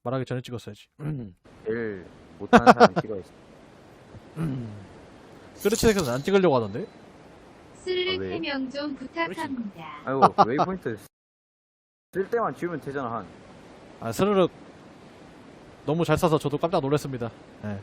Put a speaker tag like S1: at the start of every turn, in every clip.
S1: 말하기 전에 찍었어야지.
S2: 제일 못하는 사람이 찍어야지.
S1: 끄르치에서는 안 찍으려고 하던데?
S3: 스르륵
S2: 왜?
S3: 해명 좀 부탁합니다.
S2: 아이고 웨이포인트 쓸 때만 지우면 되잖아 한.
S1: 아, 스르륵 너무 잘 쏴서 저도 깜짝 놀랐습니다. 예.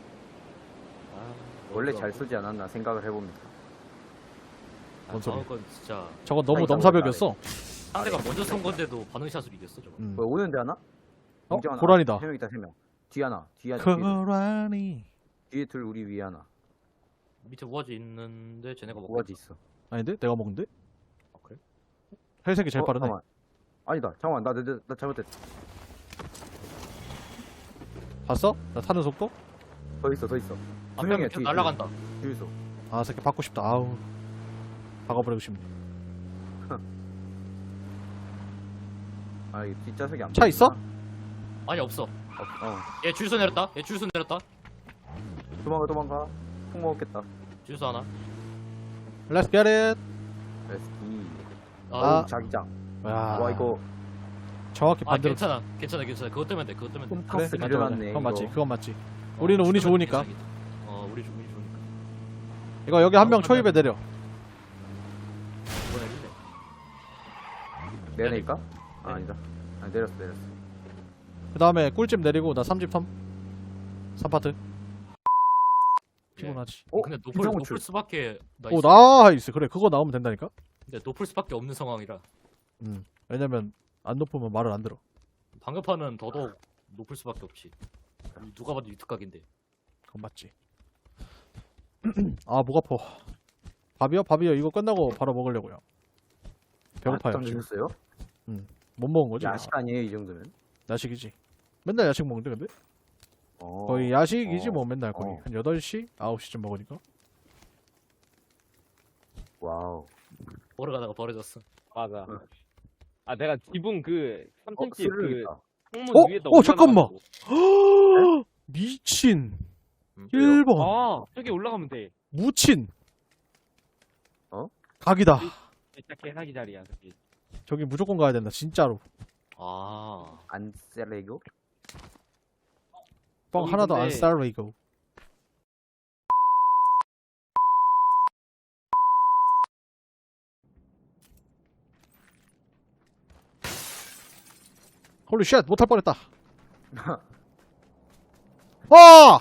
S2: 원래 잘 쏘지 않았나 생각을 해봅니다.
S1: 뭔 소리야.
S4: 건 진짜
S1: 저건 너무
S2: 아이고,
S1: 넘사벽이었어.
S4: 상대가 먼저 쏜 건데도 반응샷으로 이겼어 저거.
S2: 뭐 오는데 하나?
S1: 어?
S2: 인정 하나.
S1: 고라니다.
S2: 3명 있다 3명. 뒤 하나.
S1: 고라니.
S2: 뒤에 둘 우리 위에 하나.
S4: 밑에 우아지 있는데 쟤네가 먹고
S2: 뭐가지 있어.
S1: 아닌데? 내가 먹는데?
S4: 아, 그래?
S1: 헬색이 제일 빠르네.
S2: 잠깐만. 아니다. 잠깐만 나 잘못했어.
S1: 봤어? 나 타는 속도?
S2: 더 있어. 두
S4: 앞에
S2: 명이야
S4: 계속
S2: 뒤에.
S4: 날아간다.
S2: 주유소.
S1: 아, 새끼 받고 싶다. 아우. 박아버리고 싶네.
S2: 아 이 뒷좌석이 안
S1: 차 있어?
S2: 보이구나.
S4: 아니 없어.
S2: 어.
S4: 얘 주유소 내렸다. 얘 주유소 내렸다.
S2: 도망가. 폭 먹었겠다.
S4: 주유소 하나.
S1: Let's get it.
S2: 레스키.
S1: 아.
S2: 자기장.
S1: 야,
S2: 와 이거
S1: 정확히
S4: 아
S1: 반대로.
S4: 괜찮아. 그것 때문에 돼. 그것 때문에 돼.
S2: 홈파스
S1: 맞아,
S2: 길어놨네.
S1: 맞아. 그건 맞지.
S2: 이거.
S1: 그건 맞지. 우리는 운이 좋으니까.
S4: 괜찮아. 우리 운이 좋으니까.
S1: 이거 여기 한 명 초입에 내려.
S4: 이번에 해줄래.
S2: 내려낼까?
S4: 네.
S2: 아, 아니다. 아, 내렸어.
S1: 그 다음에 꿀집 내리고 나 3집 텀. 3파트. 피곤하지.
S4: 근데 높을
S2: 비상호출.
S4: 수밖에
S1: 오, 나이스. 그래, 그거 나오면 된다니까?
S4: 근데 높을 수밖에 없는 상황이라
S1: 왜냐면, 안 높으면 말을 안 들어.
S4: 방금판은 더더욱 높을 수밖에 없지. 누가 봐도 유특각인데.
S1: 그건 맞지. 아, 목 아파. 밥이요? 이거 끝나고 바로 먹으려고요. 배고파요.
S2: 아,
S1: 지금.
S2: 드셨어요?
S1: 못 먹은 거지?
S2: 야식 아니에요 이 정도면?
S1: 야식이지. 맨날 야식 먹는데, 근데?
S2: 어.
S1: 거의 야식이지, 뭐, 맨날 거의.
S2: 어.
S1: 한 8시? 9시쯤 먹으니까.
S2: 와우.
S4: 보러 가다가 버려졌어.
S5: 맞아. 아 내가 지붕 그 3cm 그
S2: 스르륵이다.
S5: 창문 위에다
S1: 잠깐만.
S5: 올라가가지고.
S1: 미친.
S4: 왜요?
S1: 1번.
S5: 아 저기 올라가면 돼.
S1: 무친.
S2: 어?
S1: 각이다.
S5: 진짜 개사기 자리야 저기.
S1: 저기 무조건 가야 된다, 진짜로.
S4: 아.
S2: 안 셀레고?
S1: 뻥
S5: 저기
S1: 하나도 안
S5: 근데-
S1: 쌀로 이거. 홀리 쉣, 못할 뻔했다. 와!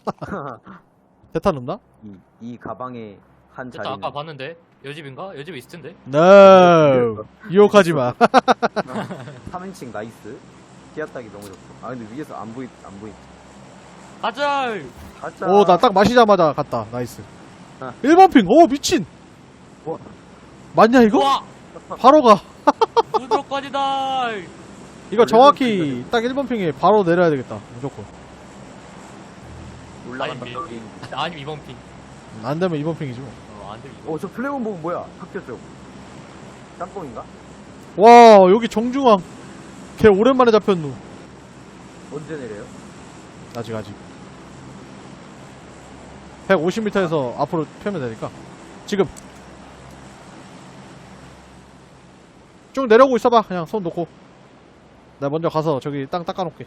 S1: 대탄 없나?
S2: 이 가방에 한
S4: 됐다.
S2: 자리는
S4: 아까 봤는데 여집인가? 여집에 있을 텐데.
S1: No. 유혹하지 마.
S2: 3인칭 나이스. 기압딱이 너무 좋고. 아 근데 위에서 안 보이.
S4: 가자.
S2: 가자.
S1: 오, 나 딱 마시자마자 갔다. 나이스.
S2: 아.
S1: 1번 핑. 오, 미친.
S2: 와.
S1: 맞냐, 이거?
S4: 와.
S1: 바로 가.
S4: 무조건이다.
S1: 이거 정확히 딱 1번 핑에 바로 내려야 되겠다. 무조건.
S2: 올라간다.
S4: 아니,
S2: 여기.
S4: 아니 이번 핑.
S1: 안 되면 2번 핑이지 뭐.
S4: 안 되면 이번.
S2: 저 플래곤 보면 뭐야? 학교 쪽. 짬뽕인가?
S1: 와, 여기 정중앙. 걔 오랜만에 잡혔누.
S2: 언제 내려요?
S1: 아직. 150m에서 앞으로 펴면 되니까. 지금. 쭉 내려오고 있어봐. 그냥 손 놓고. 내가 먼저 가서 저기 땅 닦아놓게.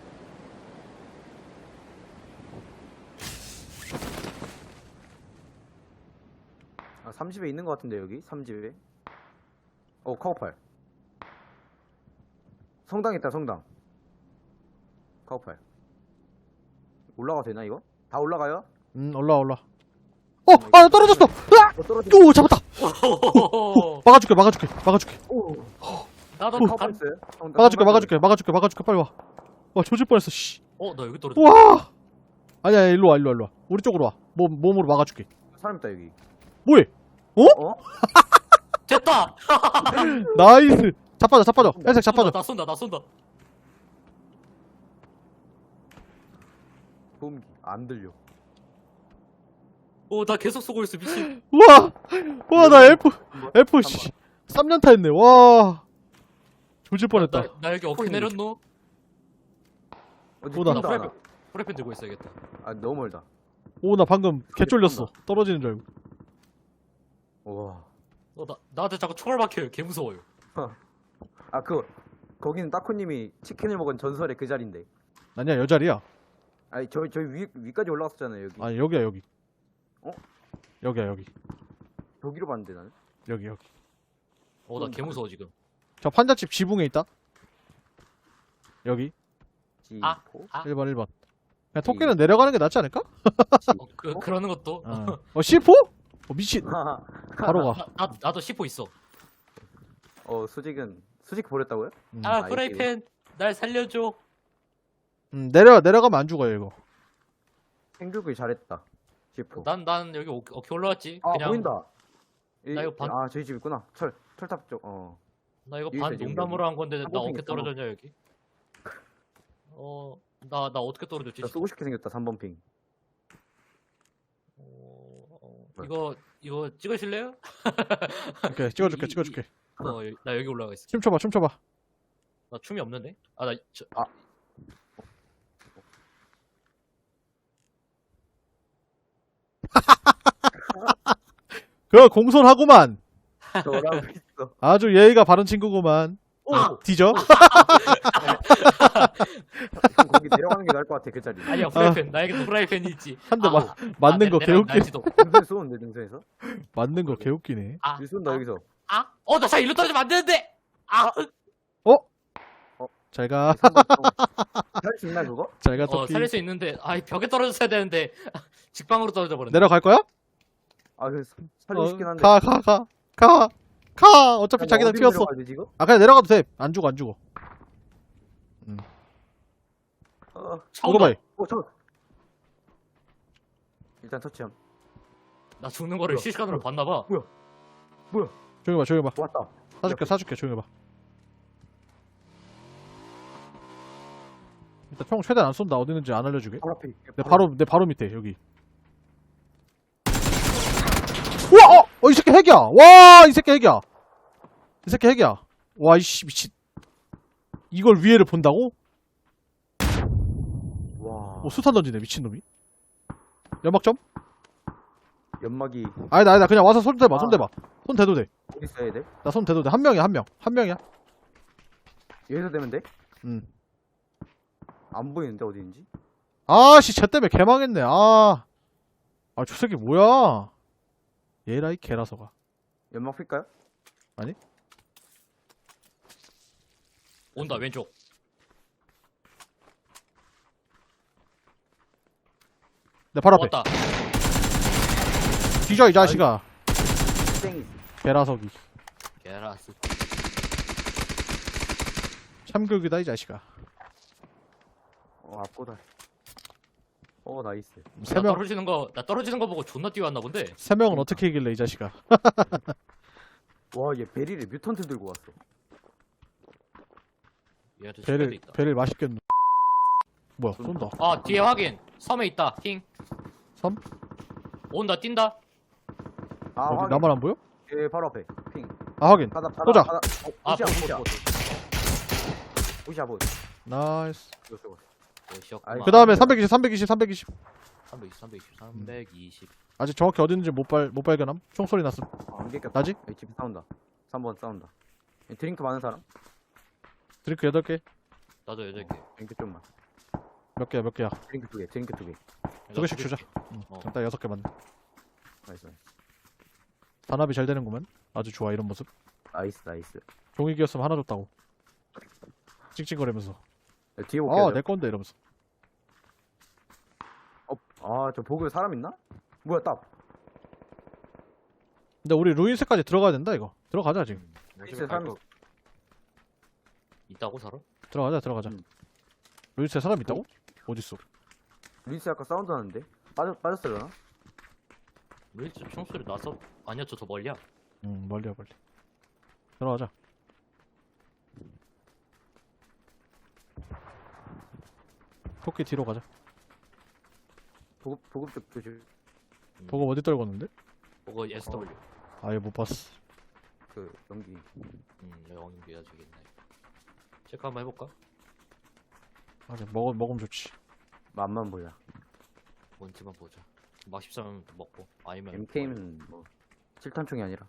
S2: 아 30에 있는 것 같은데 여기 3집에. 카우팔. 성당 있다 성당. 카우팔. 올라가 되나 이거? 다 올라가요?
S1: 올라. 아, 떨어졌어! 으악!
S2: 떨어져.
S1: 오, 잡았다! 막아줄게.
S2: 오.
S4: 나도
S2: 카우팔 있어요?
S1: 막아줄게. 빨리 와. 와, 조질 뻔했어, 씨.
S4: 나 여기 떨어졌어.
S1: 와! 아니야, 일로 와. 우리 쪽으로 와. 몸으로 막아줄게.
S2: 사람 있다 여기.
S1: 뭐해?
S2: 어?
S4: 됐다.
S1: 나이스! 자빠져. 헬색 자빠져.
S4: 나 쏜다.
S2: 소음기 안 들려.
S4: 나 계속 쏘고 있어 미친.
S1: 와, 나 F, 씨. 3년타 했네, 와. 조질 뻔했다.
S4: 나 여기 어떻게 내렸노?
S2: 어디
S1: 오다.
S2: 뛴다, 하나.
S4: 프레펜 들고 있어야겠다.
S2: 아 너무 멀다.
S1: 오, 나 방금 개 쫄렸어. 떨어지는 줄 알고.
S2: 와.
S4: 나한테 자꾸 총알 박혀요. 개 무서워요.
S2: 거기는 따코님이 치킨을 먹은 전설의 그 자리인데.
S1: 아니야, 여 자리야.
S2: 아니 저희 위까지 올라갔었잖아요 여기.
S1: 아니, 여기야, 여기.
S2: 어?
S1: 여기야, 여기.
S2: 저기로 봤는데 나는.
S1: 여기.
S4: 나 개무서워 지금.
S1: 저 판잣집 지붕에 있다. 여기.
S4: 아.
S2: 지포.
S1: 1번, 1번. 그냥 토끼는 내려가는 게 낫지 않을까?
S4: 그러는 것도.
S1: C4? 미친. 바로 가.
S4: 나도 C4 있어.
S2: 수직 버렸다고요?
S4: 아 프라이팬 날 살려줘.
S1: 내려가면 안 죽어요, 이거.
S2: 생각을 잘했다. 지포.
S4: 난 여기 어떻게 올라왔지?
S2: 아
S4: 그냥
S2: 보인다.
S4: 나 이거 반-
S2: 아 저희 집 있구나. 철탑 쪽.
S4: 나 이거
S2: 여기
S4: 반
S2: 있어, 지금
S4: 농담으로 한 건데 나
S2: 한번
S4: 어떻게
S2: 생겼어.
S4: 떨어졌냐 여기? 나 어떻게 떨어졌지?
S2: 나 쏘고 싶게 생겼다. 3번 핑.
S4: 이거 찍으실래요?
S1: 오케이, 찍어줄게.
S4: 나 여기 올라가 있어.
S1: 춤춰봐.
S4: 나 춤이 없는데?
S1: 그거 공손하구만.
S2: 저라고 있어.
S1: 아주 예의가 바른 친구구만. 뒤져?
S2: 거기 내려가는 게 나을 것 같아 그 자리.
S4: 아니야 프라이팬. 나에게도 프라이팬이 있지.
S1: 한 대 맞는 거 개웃기네.
S2: 능선에 쏘는데 능선에서?
S1: 맞는 거 개웃기네.
S2: 여기 쏜다 여기서.
S4: 나 자 일로 떨어지면 안 되는데.
S1: 잘 가.
S2: 할수 있나 그거?
S1: 잘 가, 토끼.
S4: 살릴 수 있는데 벽에 떨어졌어야 되는데 직방으로 떨어져 버렸네.
S1: 내려갈 거야?
S2: 살리고 싶긴 한데.
S1: 가. 어차피 자기들
S2: 어디로
S1: 튀었어.
S2: 내려가야 되지, 이거?
S1: 그냥 내려가도 돼. 안 죽어.
S4: 처음
S1: 오토바이.
S2: 일단 터치함.
S4: 나 죽는 거를 실시간으로 봤나 봐.
S1: 조용히 봐.
S2: 왔다.
S1: 사줄게. 조용히 봐. 일단 총 최대한 안 쏜다. 어디 있는지 안 알려주게.
S2: 바로 앞에.
S1: 내 바로 밑에 여기. 우와! 이 새끼 핵이야. 와, 이 새끼 핵이야. 와, 이씨 미친. 이걸 위에를 본다고?
S2: 와.
S1: 수탄 던지네 미친놈이. 연막점?
S2: 연막이
S1: 아니다. 그냥 와서 손 대봐.
S2: 아.
S1: 손 대도 돼.
S2: 어디 있어야 돼?
S1: 나 손 대도 돼. 한 명이야.
S2: 여기서 되면 돼?
S1: 응.
S2: 안 보이는데 어디인지?
S1: 아씨, 쟤 때문에 개망했네. 저 새끼 뭐야? 얘라 이 개라서가.
S2: 연막 필까요?
S4: 온다 왼쪽.
S1: 내 바로 앞에.
S4: 왔다.
S1: 뒤져 이 자식아.
S2: 땡이.
S1: 개라서기.
S4: 게라스.
S1: 참교육이다 이 자식아.
S2: 앞고다. 나이스.
S1: 세 명.
S4: 나 떨어지는 거 보고 존나 뛰어왔나 본데.
S1: 세 명은 어떻게 이길래 이 자식아.
S2: 와, 얘 베리를 뮤턴트 들고 왔어.
S4: 얘한테 실패도 있다.
S1: 배를 맛있겠노. 뭐야, 쏜다.
S4: 뒤에 확인. 섬에 있다. 킹.
S1: 섬?
S4: 온다 뛴다.
S1: 어디,
S2: 확인.
S1: 나만 안 보여?
S2: 얘 바로 앞에. 핑.
S1: 확인.
S2: 바다.
S1: 보자.
S2: 보자.
S4: 보트.
S2: 보자.
S1: 나이스.
S2: 아이,
S1: 그 다음에 320.
S4: 320.
S1: 아직 정확히 어디 있는지 못 발견함. 총소리 났음.
S2: 안 깼겠다.
S1: 나지?
S2: 집 싸운다. 3번 싸운다. 드링크 많은 사람?
S1: 드링크 8개.
S4: 나도 8개.
S2: 드링크 좀만.
S1: 몇 개야.
S2: 드링크 2개. 드링크 2개.
S1: 두 개씩 주자.
S4: 어.
S1: 딱 6개 맞네.
S2: 나이스.
S1: 단합이 잘 되는구만. 아주 좋아, 이런 모습.
S2: 나이스.
S1: 종이기였으면 하나 줬다고. 찍찍거리면서.
S2: 뒤에 볼게요.
S1: 내 건데, 이러면서.
S2: 저 보급에 사람 있나? 뭐야, 딱.
S1: 근데 우리 루인스까지 들어가야 된다, 이거. 들어가자, 지금.
S2: 있어요, 사람
S4: 있다고 살아?
S1: 들어가자. 루인스에 사람 있다고? 어딨어?
S2: 루이스 아까 사운드 나는데? 빠졌으려나?
S4: 왜 총소리 나서? 아니야 저 더 멀리야.
S1: 멀리. 들어가자. 토끼 뒤로 가자.
S2: 보급 쪽 조심.
S1: 보고 어디 떨궜는데?
S4: 그거 SW.
S1: 아예 못 봤어.
S2: 연기.
S4: 영인비야 저기 있네. 체크 한번 해볼까?
S1: 아직 먹으면 좋지.
S2: 맛만 보자.
S4: 뭔지만 보자. 맛있으면 먹고 아니면
S2: MK는 뭐 7탄총이 아니라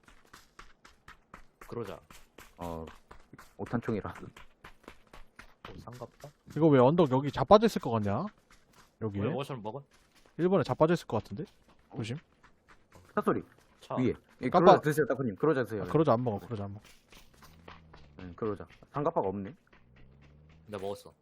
S4: 그러자.
S2: 5탄총이라.
S4: 상갑다?
S1: 이거 왜 언덕 여기 자빠져 있을 것 같냐? 여기에?
S4: 왜 뭐처럼 먹어?
S1: 1번에 자빠져 있을 것 같은데? 조심.
S2: 차 소리
S4: 차.
S2: 위에. 예,
S1: 깜빡.
S2: 그러자 드세요, 따쿠님. 그러자 드세요.
S1: 그러자 안 먹어. 그러자 안 먹어.
S2: 응, 그러자. 상가파가 없네.
S4: 내가 먹었어.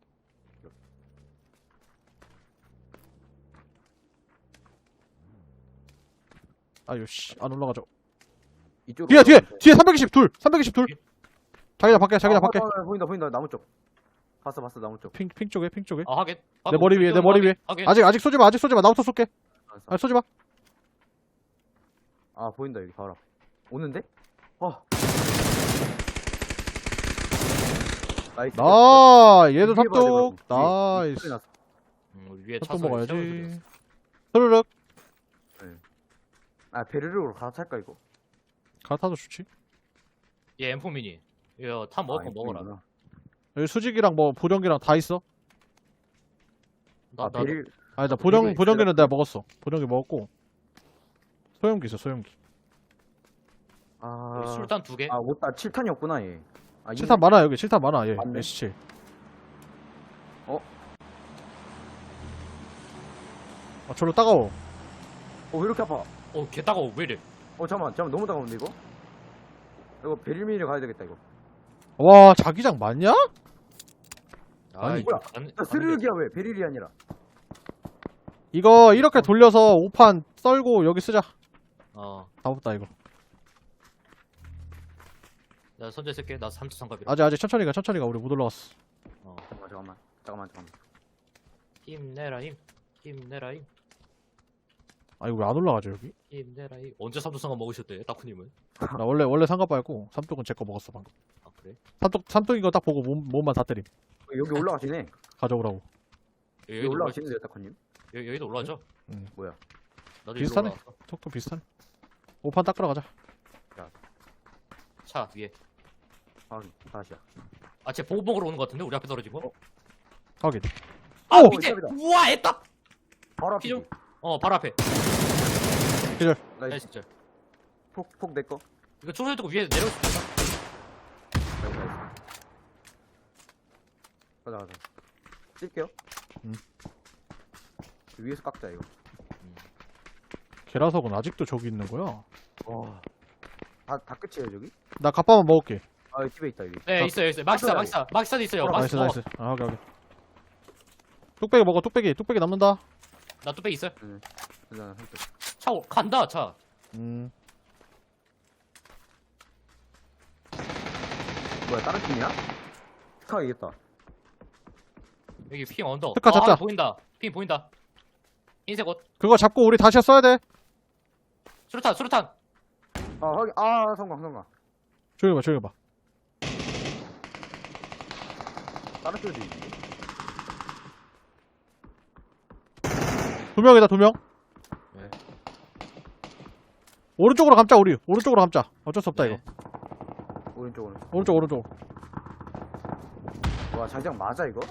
S1: 아유 씨. 안 올라가죠.
S2: 이쪽으로.
S1: 뒤에 320 둘. 320 둘. 자기장 밖에 자기장 밖에.
S2: 보인다 보인다 나무 쪽. 봤어 나무 쪽.
S1: 핑 쪽에 핑 쪽에.
S4: 아 하긴.
S1: 내 머리 위에 내 머리 위에.
S4: 하긴.
S1: 아직 쏘지 마. 아직 쏘지 마. 나부터 쏠게.
S2: 알았어.
S1: 아 쏘지 마.
S2: 아 보인다 여기 바로 앞. 오는데? 나이스.
S1: 나 얘도
S2: 위에 봐야 돼,
S1: 삽독.
S2: 그럼. 위에.
S1: 나이스.
S2: 소리 났어.
S4: 위에 차
S1: 삽독
S4: 소리
S1: 먹어야지. 스르륵.
S2: 아 베르르로 갈아탈까 이거?
S1: 갈아타도 좋지.
S4: 얘 M4 미니. 이거 타 먹을 거 먹어라.
S2: 이거구나.
S1: 여기 수직이랑 뭐 보령기랑 다 있어.
S4: 나
S2: 아 베르.
S1: 아니 나
S2: 이거
S1: 보령기는 내가 먹었어. 보령기 먹었고. 소형기 있어 소형기.
S2: 아.
S4: 술탄 2개.
S2: 아 못다 7탄이 없구나 얘. 아,
S1: 7탄 많아 여기 7탄 많아 얘.
S2: 맞네.
S1: S7. 아 절로 따가워.
S2: 왜 이렇게 아파?
S4: 개 따가워. 왜 이래?
S2: 잠깐만 너무 따가운데 이거? 이거 베릴미를 가야 되겠다 이거.
S1: 와 자기장 맞냐?
S4: 아이,
S2: 뭐야?
S4: 안-
S2: 나 스르륵이야 왜? 베릴이 아니라.
S1: 이거 이렇게 돌려서 5판 썰고 여기 쓰자.
S4: 어.
S1: 다 없다 이거.
S4: 나 선제 쓸게. 나 3초 상갑이라.
S1: 아직 천천히 가 우리 못 올라갔어.
S4: 어.
S2: 잠깐만.
S4: 힘내라 힘. 힘내라 힘.
S1: 아 이거 왜 안 올라가죠 여기?
S4: 힘내라 힘. 언제 3초 상갑 먹으셨대? 따쿠님은?
S1: 나 원래 상가빠였고 삼독은 제 거 먹었어 방금.
S4: 아 그래?
S1: 삼독인 거 딱 보고 몸만 다 때림.
S2: 여기 올라가시네.
S1: 가져오라고.
S2: 여기 올라가시는데요, 타코님?
S4: 여기도 올라가죠?
S1: 응.
S2: 뭐야?
S4: 나도
S1: 비슷하네.
S4: 일로 올라왔어.
S1: 톡톡 비슷하네. 5판 닦으러 가자.
S4: 차 위에.
S2: 다시야.
S4: 아, 쟤 보급봉으로 오는 거 같은데? 우리 앞에 떨어진 거?
S1: 확인.
S4: 아,
S1: 오!
S4: 밑에!
S2: 이쪽이다.
S4: 우와, 애답!
S2: 바로 앞이지.
S4: 피좀. 바로 앞에.
S2: 나이스.
S4: 나이스.
S2: 폭 내꺼.
S4: 이거 초소리 듣고 위에 내려올 수 있어?
S2: 가자. 찔게요.
S1: 응.
S2: 위에서 깎자 이거.
S1: 계라석은 아직도 저기 있는 거야?
S2: 와. 다 끝이에요 저기?
S1: 나 갑바만 먹을게.
S2: 아 여기 집에 있다 여기.
S4: 네, 있어요. 막사도 있어요.
S1: 나이스
S4: 막사.
S1: 나이스. 아 확인. 뚝배기 먹어 뚝배기 남는다.
S4: 나 뚝배기 있어요.
S2: 일단 한쪽.
S4: 차 간다, 차.
S2: 뭐야 다른 팀이야? 스카 이겼다.
S4: 여기 핑 언더.
S1: 스카 잡자.
S4: 보인다. 핑 보인다. 흰색 옷.
S1: 그거 잡고 우리 다시 써야 돼.
S4: 수류탄.
S2: 확인. 성광.
S1: 조용히 봐.
S2: 다른 쪽도 있는데.
S1: 2명이다 2명.
S4: 네.
S1: 오른쪽으로 감자 우리. 오른쪽으로 감자. 어쩔 수 없다
S4: 네.
S1: 이거.
S2: 오른쪽으로.
S1: 오른쪽.
S2: 와 장장 맞아 이거?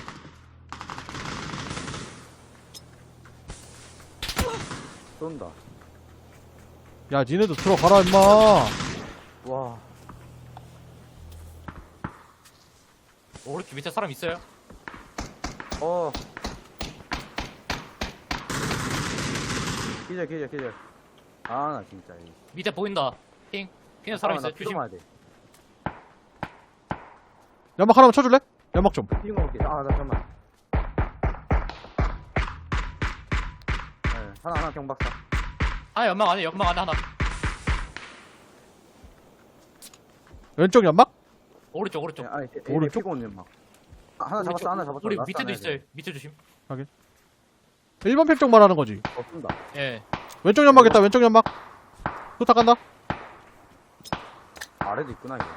S2: 쏜다.
S1: 야 니네도 들어가라 임마.
S2: 와.
S4: 오른쪽 밑에 사람 있어요?
S2: 기절. 나 진짜.
S4: 밑에 보인다. 핑에 사람 있어요. 조심.
S2: 야 돼.
S1: 연막 하나만 쳐줄래? 연막 좀.
S2: 피는 거 볼게. 나 잠깐만. 네, 하나 경박사.
S4: 연막 안에 하나.
S1: 왼쪽 연막?
S4: 오른쪽.
S2: 네,
S1: 오른쪽?
S2: 피고 오는 막. 하나 잡았어.
S4: 우리
S2: 라스트
S4: 밑에도
S2: 하나
S4: 있어요. 밑에 조심.
S1: 1번 팩쪽 말하는 거지.
S2: 쏜다.
S4: 예.
S1: 왼쪽 연막 있다 왼쪽 연막. 후딱 간다.
S2: 아래도 있구나 이거.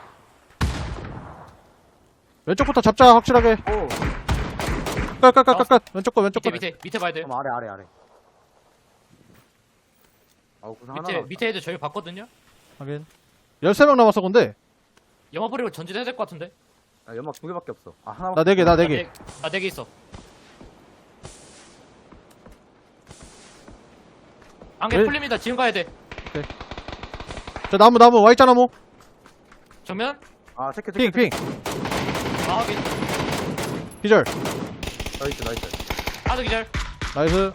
S1: 왼쪽부터 잡자 확실하게.
S2: 오.
S1: 끝. 왼쪽 거.
S4: 밑에 봐야 돼요.
S2: 그럼 아래. 구상 하나.
S4: 밑에 애들 저희 봤거든요.
S1: 확인. 13명 남았어 근데.
S4: 영화 버리고 전진해야 될 것 같은데.
S2: 연막 2개밖에 없어. 하나.
S1: 나 4개.
S4: 나 4개 있어. 안개
S1: 왜?
S4: 풀립니다. 지금 가야 돼.
S1: 저 나무 Y자 나무.
S4: 정면.
S2: 체크.
S1: 핑.
S4: 확인.
S1: 기절.
S2: 나이스 나이스.
S4: 하나 더 기절.
S1: 나이스.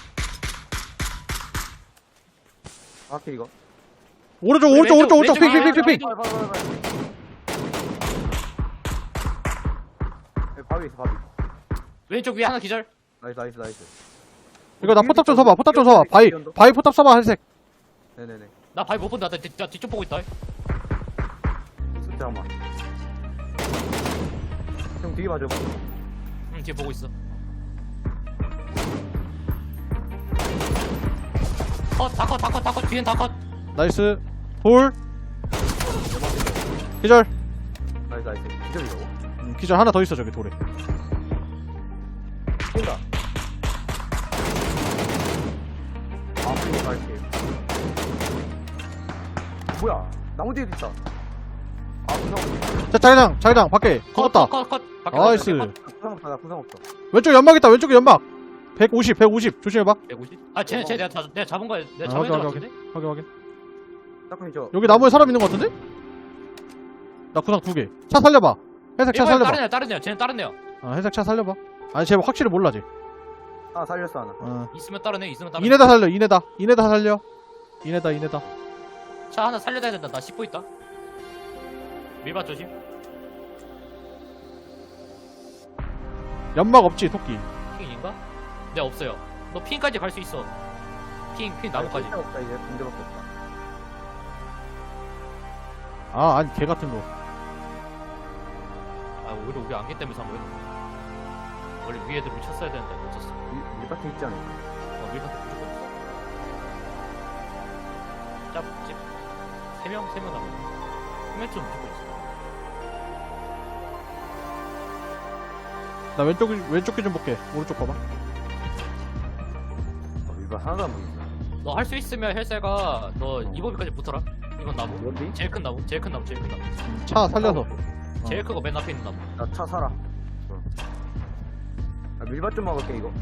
S2: 확실히 이거.
S1: 오른쪽
S4: 우리
S1: 오른쪽 오른쪽 오른쪽
S4: 왼쪽,
S1: 픽픽픽픽.
S2: 바위 있어 바위.
S4: 왼쪽 위에 하나 기절.
S2: 나이스 나이스 나이스.
S1: 이거 나 포탑 좀 서봐. 포탑 좀 서봐. 바위 포탑 서봐. 회색.
S2: 네네네.
S4: 나 바위 못 본다. 나 뒤쪽 보고 있다.
S2: 잠깐만. 형 뒤에 봐줘.
S4: 응, 뒤에 보고 있어. 다 컷. 뒤엔 다 컷.
S1: 나이스. 돌. 기절.
S2: 나이스 나이스. 기절이라고?
S1: 기절 하나 더 있어 저기 돌에.
S2: 뛴다. 아, 풀리 갈게. 뭐야? 나무 뒤에도 있다. 아, 구상.
S1: 자 자기장 밖에. 죽었다.
S4: 컷. 밖에
S1: 나이스.
S4: 나가야 돼.
S2: 구상 없다. 나 구상 없어.
S1: 왼쪽 연막 있다. 왼쪽에 연막. 150 조심해봐.
S4: 150? 아, 쟤 내가 잡은 거야. 내가
S1: 아,
S4: 잡은 거
S1: 확인,
S4: 같은데?
S1: 확인.
S2: 딱히 저.
S1: 여기 나무에 사람 있는 거 같은데? 나 구상 2개. 차 살려봐. 회색 차
S4: 이거야,
S1: 살려봐.
S4: 다른 애야. 쟤는 다른 애야.
S1: 회색 차 살려봐. 아니 쟤 확실히 몰라 쟤.
S2: 아, 살렸어 하나.
S4: 있으면 다른 애, 있으면 다른 애.
S1: 이네다 살려. 이네다 살려. 이네다.
S4: 차 하나 살려야 된다. 나 씹고 있다. 밀밭 조심.
S1: 연막 없지 토끼.
S4: 핑인가? 네, 없어요. 너 핑까지 갈 수 있어. 핑 나무까지.
S2: 아, 없다 이제 군대밖에 없다.
S1: 아 아니 개 같은 거.
S4: 아, 오히려 우리 안개 때문에 산 거야. 원래 위에 애들 쳤어야 되는데 못 쳤어.
S2: 밀밭에 있지 않을까?
S4: 밀밭에 무조건 있어. 짭집. 3명 남았네. 3명쯤 무조건 있어.
S1: 나 왼쪽 귀 좀 볼게. 오른쪽 봐봐.
S2: 밀밭 하나도 안 보이네.
S4: 너 할 수 있으면 헬세가 너 이버비까지 붙어라. 이건 나무.
S2: 어디?
S4: 제일 큰 나무.
S1: 차 살려서.
S4: 제일 크고 맨 앞에 있는 나무.
S2: 나 차 사라. 아, 밀밭 좀 먹을게 이거.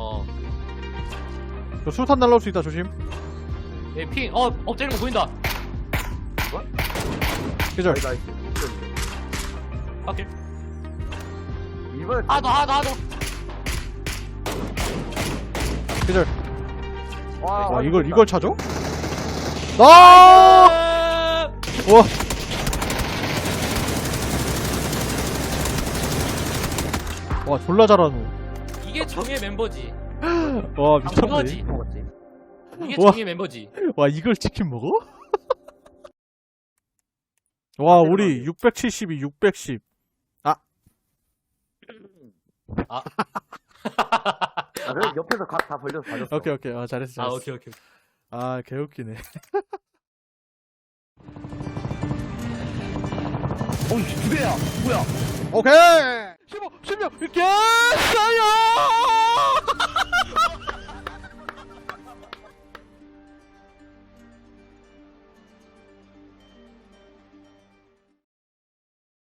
S1: 저 수탄 날라올 수 있다 조심.
S4: 얘 핑. 엎드리는 거 보인다.
S1: 기절.
S2: 나이스.
S4: 확실.
S2: 밀밭.
S4: 하나 더.
S1: 기절.
S2: 와,
S1: 와 이걸 차죠? 나. 와. 와 졸라 잘하노.
S4: 이게 정의 멤버지.
S1: 와 미쳤네.
S4: 그거지.
S2: 먹었지.
S4: 이게
S1: 우와.
S4: 정의 멤버지.
S1: 와 이걸 치킨 먹어? 와 우리 672 610.
S2: 아, 그래 옆에서 각 다 벌려서 봐줬어.
S1: 오케이 잘했어.
S4: 오케이.
S1: 아 개웃기네.
S2: 어이, 두 대야. 뭐야?
S1: 오케이. 15 개싸요.